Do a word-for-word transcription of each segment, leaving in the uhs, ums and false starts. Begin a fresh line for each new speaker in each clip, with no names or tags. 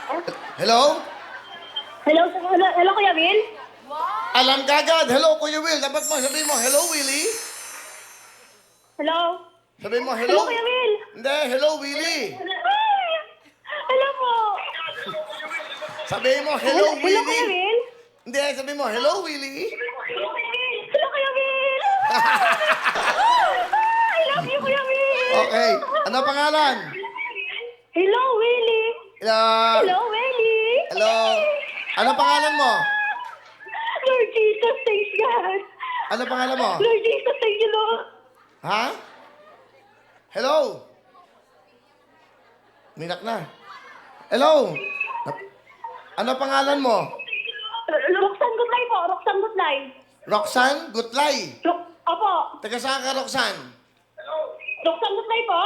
Hello?
Hello, hello, hello, Kuya Will?
Alam ka agad. Hello, Kuya Will. Dapat mo sabihin mo, hello, Willie.
Hello?
Sabihin mo,
Hello,
hello.
Kuya Will?
Hindi, hello, Willie.
Ay! Hello po.
Sabihin mo,
Hello,
hello,
hello, Kuya
Willie.
Will?
Hindi, sabihin mo, hello, Willie.
Hello, Kuya Will? Ah, I love you, Kuya Will.
Okay. Ano pangalan?
Hello, Willie.
Hello.
Hello, Willie.
Hello. Ano pangalan mo?
Lord Jesus, thanks God.
Ano pangalan mo?
Lord Jesus, thank you, Lord.
Ha? Hello? Minak na. Hello? Ano pangalan mo?
Roxanne Gutlay po, Roxanne Gutlay.
Roxanne Gutlay.
Ro- Opo,
Taga saan ka, Roxanne?
Roxanne Gutlay po.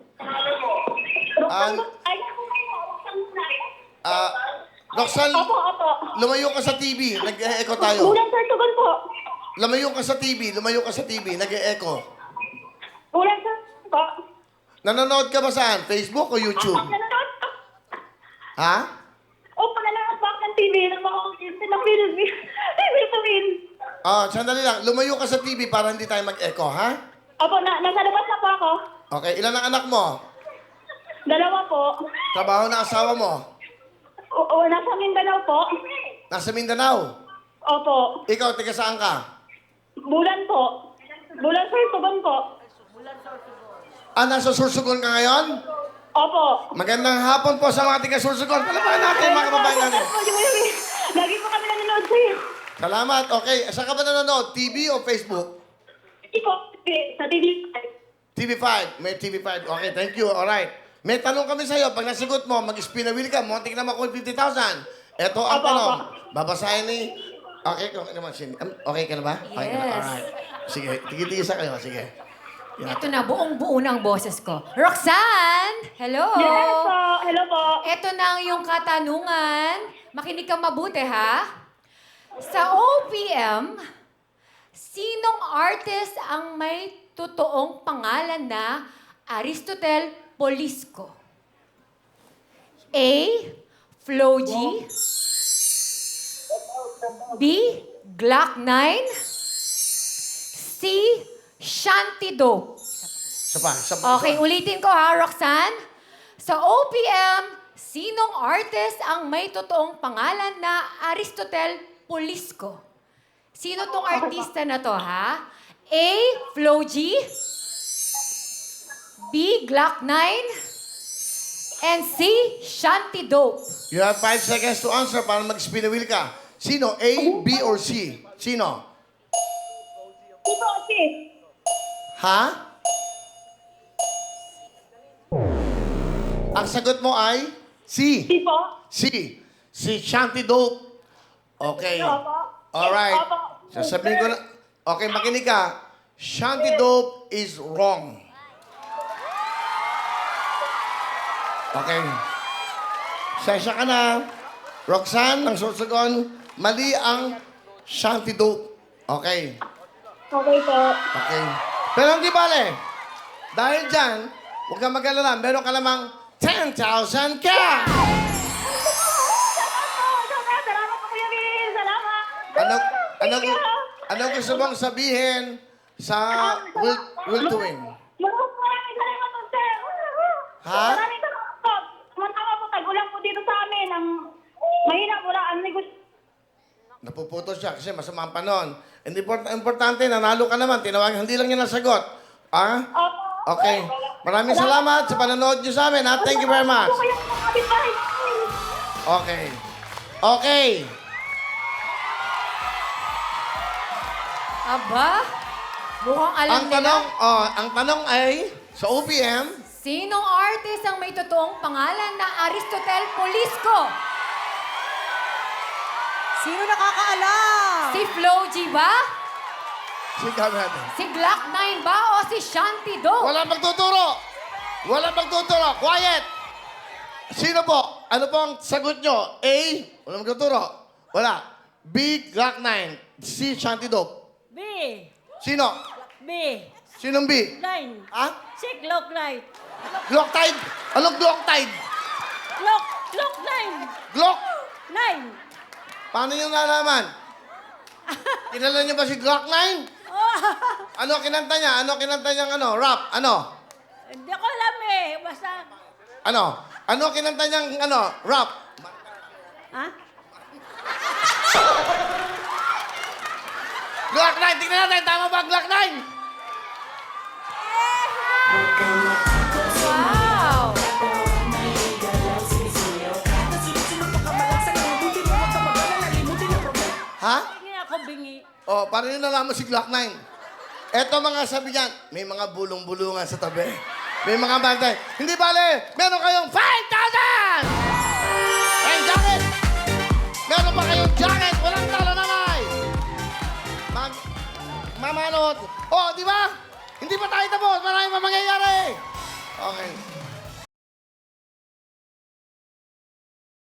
Ah,
Roxanne Gutlay. Ay, Roxanne Gutlay.
Ah, Roxanne,
Opo, opo.
lumayo ka sa T V. Nag-e-echo tayo.
Bulan Sir Tugon po.
Lumayo ka sa T V. Lumayo ka sa T V. Nag-e-echo.
Bulan Sir po.
Nanonood ka ba saan? Facebook o YouTube?
Nanonood po.
Ha?
O, pananood po ako ng T V ng mga ng film. Will to win.
Ah, sandali lang. Lumayo ka sa T V para hindi tayo mag-echo, ha?
Opo, na, nasa labas na po ako.
Okay, ilan ang anak mo?
Dalawa po.
Trabaho na asawa mo?
O, o nasa Mindanao po.
Nasa Mindanao?
Opo.
Ikaw, taga saan ka?
Bulan po. Bulan Sir Tugon po.
Ah, nasa Sursugon ka ngayon?
Opo.
Magandang hapon po sa mga taga Sursugon. Palapakan natin, mga kababayan natin.
Lagi po kami nanonood sa'yo.
Salamat. Okay, saan ka ba nanonood? T V o Facebook?
Iko, sa T V.
T V five. May T V five. Okay, thank you. Alright. May tanong kami sa'yo. Pag nasagot mo, mag-spin a wheel ka. Muntik na makuha fifty thousand. Ito ang
Apo,
tanong.
apo.
Babasahin ni... Okay, okay naman. Sin- um, Okay ka na ba? Okay ka na.
Yes.
Alright. Sige, tigil-tigil kayo. Sige. Yan.
Ito na, buong-buo na ang boses ko. Roxanne! Hello!
Yes po. Hello po.
Ito na ang iyong katanungan. Makinig ka mabuti, ha? Sa O P M, sinong artist ang may totoong pangalan na Aristotel Polisco? A. Flo G. B. Glock nine. C. Shanty Dope.
Isa pa. Isa pa.
Okay, ulitin ko ha, Roxanne. Sa O P M, sinong artist ang may totoong pangalan na Aristotel Polisco? Sino tong artista na to, ha? A. Flo G. B. Glock nine. And C. Shanty Dope.
You have five seconds to answer para mag-spin a wheel ka. Sino? A, B, or C? Sino?
Iko, si.
Ha? Ang sagot mo ay C.
Si po.
C. Si Shanty Dope. Okay.
Opo.
Alright.
Opo.
Sasabihin ko na... Okay, makinig ka. Shanty Dope is wrong. Okay. Sesya ka na. Roxanne, ang susugon, mali ang Shanty Dope. Okay.
Okay po.
Okay. Pero hindi bale. Dahil dyan, huwag kang mag-alala. Meron ka lamang ten thousand cash!
Salamat, salamat po, Kuya Will. Salamat.
Ano, ano,
Thank you.
ano gusto mong sabihin sa Will, Will to Win?
Maraming maraming salamat po, sir.
Ha?
Maraming salamat po. Tumatawa po, tagulang po dito sa amin. Ang mahina po lang ang negosyo.
Napuputo siya kasi masama ang panahon. Hindi import, importante, nanalo ka naman. Tinawagan, hindi lang niya nasagot. Ah?
Opo.
Okay. Maraming salamat sa panonood niyo sa amin, ha? Thank you very much.
Kuya, mga kapitbahay.
Okay. Okay.
Aba, mukhang alam
Ang
nila.
tanong, oh, ang tanong ay, sa O P M,
Sinong artist ang may totoong pangalan na Aristotel Polisco?
Sino nakakaalam?
Si Flo G ba?
sigaw natin.
Si Glock nine ba o si Shanty Dope?
Wala magtuturo. Wala magtuturo. Quiet. Sino po? Ano po ang sagot nyo? A, wala magtuturo. Wala. B, Glock nine. C, Shanty Dope.
B.
Sino?
B.
Sinong B?
Nine.
Ha?
Check lock right.
Glock Tide? Anong Glock Tide?
Lock, lock nine.
Glock.
Nine.
Paano nyo nalaman? Kilala niyo ba si Glock nine? Ano kinanta niya? Ano kinanta niyang ano? Rap? Ano?
Hindi ko alam eh. Basta...
Ano? Ano kinanta niyang ano? Rap?
Ha?
Glock nine! Tingnan natin! Tama ba Glock nine?
Wow!
Ha?
Hindi ako bingi.
Oh, paano nyo nalaman si Glock nine? Eto mga sabi niyan, may mga bulong-bulungan sa tabi. May mga bantay. Hindi bale, meron kayong five thousand! And jacket! Meron pa kayong jacket! Walang talo nanay! Mag... Mamanot. Oh, di ba? Hindi pa tayo tapos. Marami pa mangyayari. Okay.